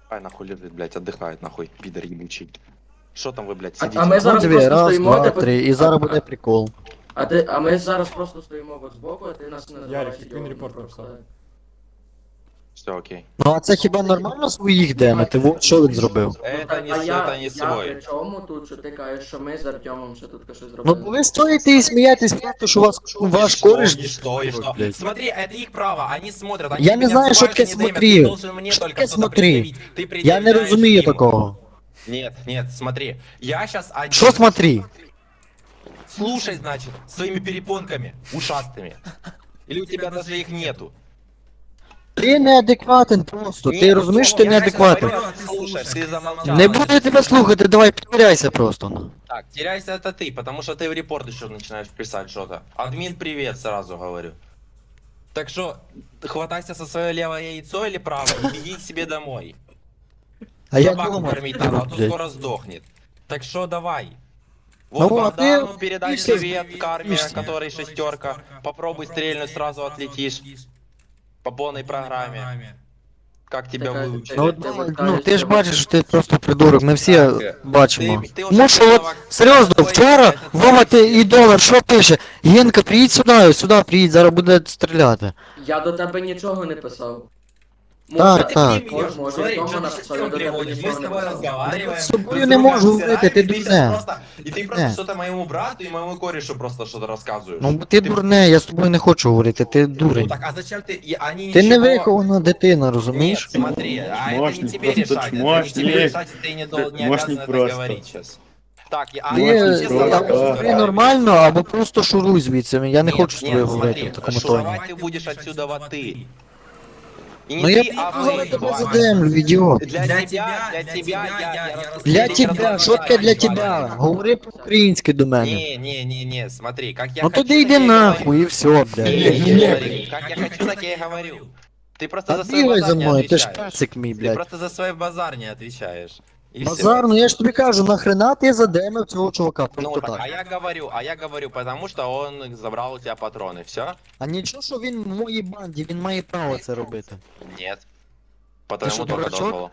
Ай, нахуй лежит, блядь, отдыхает, нахуй, пидор ебучий. Что там вы, блядь, А сидите? ми Ну зараз дві, просто раз, стоїмо, два, типу. три, і зараз буде прикол. А ми зараз просто стоїмо от збоку, а ти нас не називаєш. Ярик, який він репорт написав? Все окей. Ну а це хіба нормально своїх демити? Вот що він зробив? Это не, я это не при свой. чому тут, що ти кажеш, що ми з Артемом ще тут щось Ну зробили? бо ви стоїте і смієтесь просто, що ваш кореш... И что? блядь. Смотри, это их право, они смотрят, они Я тебя не знаю, обзывают, что таке они демят, смотри. ты должен мне Що только таке что-то смотри? предъявить. Ты Я не предъявляешь розумію им. такого. Нет, смотри, я сейчас один. Що смотри? Слушай, значит, своими перепонками ушастыми. Или у тебя даже их нету? Ти неадекватен просто, ти розумієш, що ти неадекватен. Слушай, ты замолчал. Не буду я тебе слухати, давай підбирайся просто. Ну. Так, теряйся это ты, потому что ты в репорт еще начинаешь писать что-то. Админ, привет, сразу говорю. Так что, хватайся со свое левое яйцо или правое и беги к себе домой. А я Собаку дома. кормить надо, а то блядь. скоро сдохнет. Так что давай. Ну, Вот а Богдану ты- передай ты всё привет, карме, сбишься. который шестерка. Попробуй стрельнуть, сразу отлетишь. По полной программе. Как тебя Такая- выучили? Ну, Ти ну ти ж бачиш, що ти просто придурок, ми всі бачимо. Ти вже Ну що, от, чоловік, серйозно, твої вчора блядь, Вова ти і долар, що пише? Генка, приїдь сюди приїдь, зараз буде стріляти. Я до тебе нічого не писав. Так, так. Може, Смотри, Тёма что ты написал, шестером я до тебе приводишь, мы ничего с не тобой писал. разговариваем. С тобой друг не друга могу обсираем, говорить, ты и ты дурная. щас просто- И ты просто Дурная. что-то моему брату и моему корешу просто что-то рассказываешь. Ну бо ти дурне, я з тобою не хочу говорити, ти Ну дурень. так, а зачем ты... Они Ти не ничего- вихована дитина, Нет, розумієш? смотри, а это не Чмошник, тебе просто решать, это не чмошник. тебе решать, и ты не Чмошник обязан это просто. говорить сейчас. Так, а Ти, они все просто, собаки да. ти нормально, або просто шуруй звідси, я не хочу з тобою говорити в смотри, такому тоні. шуровать ты будешь отсюда вот ты. И не Ну я ты, а приїду зараз вы. тебе задемлю, ідіот. Для тебя, я Для тебе, що таке для тебе? Говори по-українськи до мене. Не, смотри, как я Ну хочу, тоді йди так я и нахуй говорю. і все, блядь. Смотри, как я хочу, так я и говорю. Ты просто Та за свой бігай за базар не мною, ти ж отвечаешь. персик мій, Ты блядь. просто за свой базар не отвечаешь. И всё. Базар, ну я ж тобі кажу, нахрена ти задемив цього чувака, Ну, просто так, так. а я говорю, потому что он забрал у тебя патроны, все? А нічого, що він в моїй банді, він має право це робити. Нет. Потому что, только дурачок? дозволу.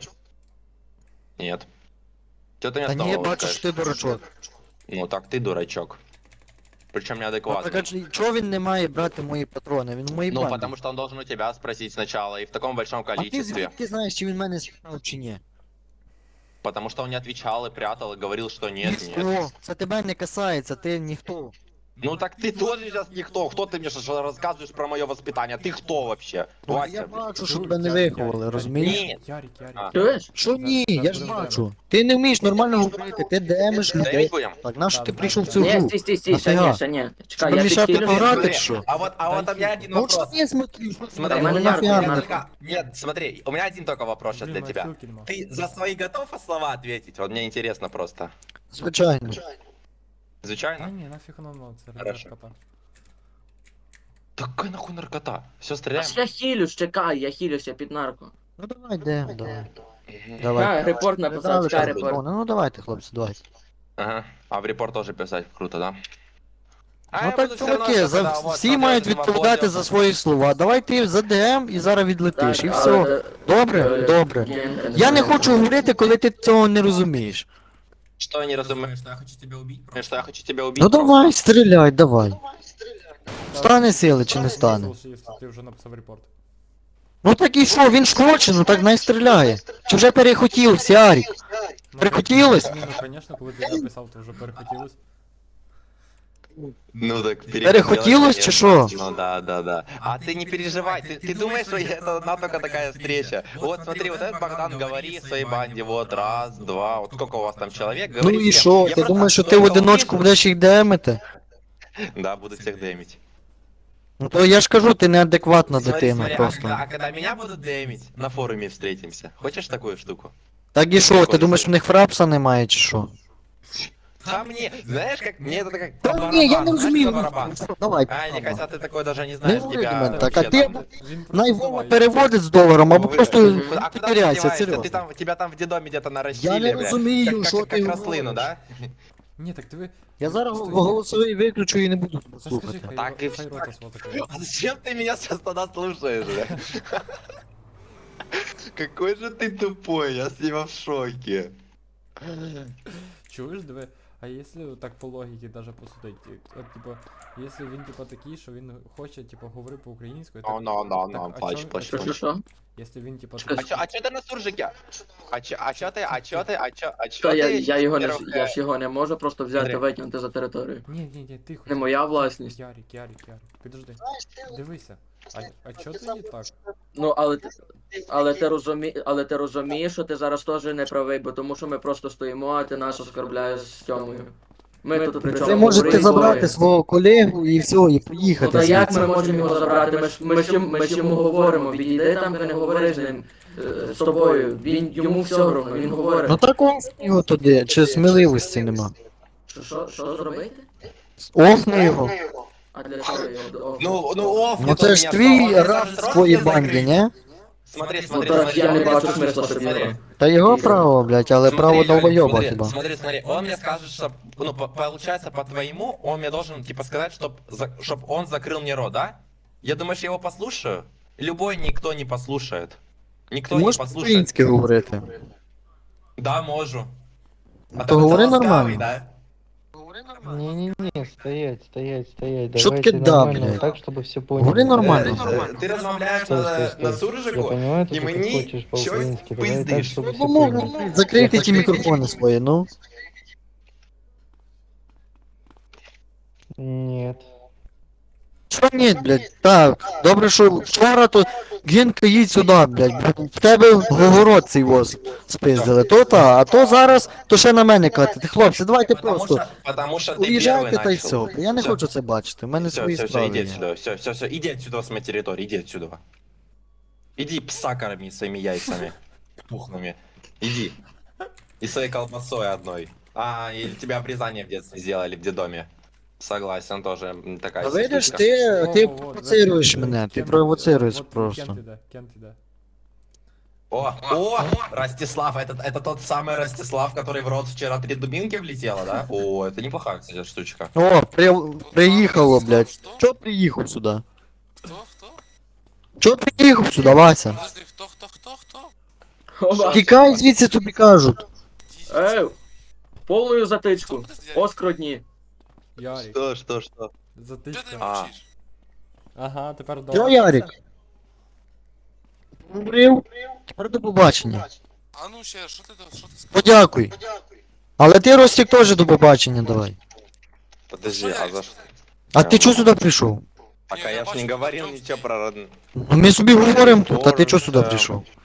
Нет. Что ты мне Та с ні, я того бачу, скажешь? що ти дурачок. Ну так ты дурачок. Причем Ну, так, неадекватный. а чого він не має брати мої патрони? Він в моїй Ну, банді. потому что он должен у тебя спросить сначала, и в таком большом А ти количестве. звідки знаєш, чи він мене спитав, чи ні? Потому что он не отвечал и прятал, и говорил, что нет, нет. Ніхто, це тебе не касається, ти ніхто. Ну так ты тоже сейчас никто. Кто ты мне что рассказываешь про мое воспитание? Ты кто вообще? Ну, Вася, я блин. бачу, що тебе не виховали, розумієш? Нет. Ярик. А. Чуєш? Що ні, я ж бачу. Ти не вмієш нормально говорити, ти демиш людей. Демить будем? Так, нащо ти прийшов в цю Ні, гру? стій, ще Нафіга? ні, ще ні. Чекай, Щоб я мішати підхилюсь. пограти, Смотри, що? а вот у меня один Ну що вопрос. я смотрю, що Смотри, у у меня меня нафига надо. только... Нет, смотри, у меня один только вопрос сейчас для тебя. Ты за свои готов слова ответить? Вот мне интересно просто. Звичайно. Та Звичайно? ні, нафіг воно, це Хорошо. наркота. Такая нахуй наркота. Все, А стреляем. ж я хилюсь, чекай, я хилюся під нарко. Ну давай, давай. Мгм. Давай. Репорт Не написав, дали чекай, там репорт. патрони. Ну давайте, хлопці, давайте. Ага. А в репорт тоже писать круто, да? Ну так чуваки, всі мають відповідати за свої слова. Давай ти за ДМ і зараз відлетиш, і все. Добре? Добре. Я не хочу говорити, коли ти цього не розумієш. Что я не разумею? Что я хочу тебя убить? Что я хочу тебя убить? Ну давай, стріляй, давай. Стане сили чи не стане? Ти вже написав репорт. Ну так і що, він ж хоче, ну так най стріляє. Чи вже перехотів, Ярик? Прихотілось? Ну, звісно, коли ти написав, то вже перехотілось. Ну так Перехотілось чи що? Ну да. А ты не переживай, ты думаешь, что это одна только такая встреча? Вот смотри, вот этот Богдан говорит в своей банде, вот раз, два, вот сколько у вас там человек, Ну говорит і всем. що, Я ти просто думаєш, що ти в только одиночку увижу- будеш їх демити? Да, буду всех демить. Ну то я ж кажу, ти неадекватна Смотри, дитина смотри, просто. а когда меня будут демить, на форуме встретимся. Хочешь такую штуку? Так і що, ти думаєш, в них фрапса немає чи що? А мне, знаешь, как мне это как Та по ні, я барабану, не знаешь, розумію. по барабану. Давай. А, мне кажется, ты такой даже не Не знаешь, говори до тебя мене так, а вообще ти там- найвова переводить з доларом, або просто А куда ты теряйся, деваешься? серйозно. Ты там, тебя там в дедоме где-то нарастили, Я не бля. розумію, Как- що как, ти как рослину, говориш. да? Ні, так диви. Я зараз голосовий виключу і не буду тебе Та слухати. скажи, Так і хай рота свого такого. А зачем ты меня сейчас тогда слушаешь, бля? Какой же ты тупой, я с него в шоке. Чуєш, диви, а якщо так по логіці даже посудити, от, типа, якщо він типа такий, що він хоче, типа, говорити по-українською, так, так, а чо- Що, що, що? якщо він, типа, Чекай, такий, А чё ты на суржике? А чё Та ты? я його не во-первых, я ж його не можу просто взяти і Смотри. викинути за територію. ні, тихо. Не моя власність. Ярик, підожди. Дивися, а чо ти не так? Ну, але ти розумієш, що ти зараз теж не правий, бо тому що ми просто стоїмо, а ти нас оскорбляєш з Тьомою. Ми тут при чому Ви можете говоримо забрати двоє. свого колегу і все, і Ну поїхати та як звідси. ми можемо його забрати? Ми ж йому говоримо, відійди там, ти не говори з ним, з тобою. Йому все одно, він говорить. Ну так он його туди, чи сміливості нема. Що зробити? Офни його. А для чого його? Ну, оф, Ну це ж твій раз в своїй банді, ні? Смотри, Ну смотри, так смотри. я не он мне бачу скажет, смисла, что- щоб смотри. його. Та його право, блядь, але Смотри, право Ярик, долбойоба смотри, хіба. Смотри, он мне скажет, что, ну, получается, по-твоему, он мне должен, типа, сказать, чтоб он закрыл мне рот, да? Я думаешь, я его послушаю? Любой никто не послушает. Ти Никто не можеш послушает. по-українськи говорити? Да, можу. А То тебе говори це ласкавий, нормально. да? Не-не-не, стоять. Что Давайте таки да, нормально, блядь? так, чтобы все поняли. Говори нормально. Ти розмовляєш Стой, на стой. Я суржику, понимаю, і ты мені хочешь щось по-украински, давай так, пиздиш. чтобы все Ну, поняли. закрийте ті мікрофони свої, ну. Нет. Що ні, блядь, так, добре, що вчора то Генка їдь сюди, блядь, в тебе город цей воз спиздили, то та, а то зараз, то ще на мене катити. Хлопці, давайте просто Потому що ти уїжджайте перший та й начал. все. Я не хочу це бачити, в мене свої Все, справи иди є. отсюда, все, иди отсюда с моей территории, иди отсюда. Иди пса корми своими яйцами пухлыми. Иди. И своей колбасой одной. А, или тебя обрезание в детстве сделали в детдоме. Согласен, тоже такая А видиш, ситуська. ти провоцируєш мене, ти провоцируєш просто. Кент іде. О, Ростислав, это тот самый Ростислав, который в рот вчера 3 дубинки влетело, да? О, это неплохая, кстати, штучка. О, приїхало, блядь. Чо приїхав сюди? Кто? Чо приїхав сюди, Вася? Подожди, кто? Оба. Тікай звідси, тобі кажуть. Ей, повною затичку. Подожди, Оскрудні. Ярик, Что? Что ты затичка. А. молчишь? Ага, тепер Чо, добре. Ярик? Говорив? Тепер до побачення. А ну ще, що ти сказав? Подякуй. Але ти, Ростик, теж до побачення давай. Подожди, а за что? А ти чого сюди прийшов? Пока я ж не говорил ничего про родную. Ну, ми собі говоримо тут, а ти чого сюди прийшов?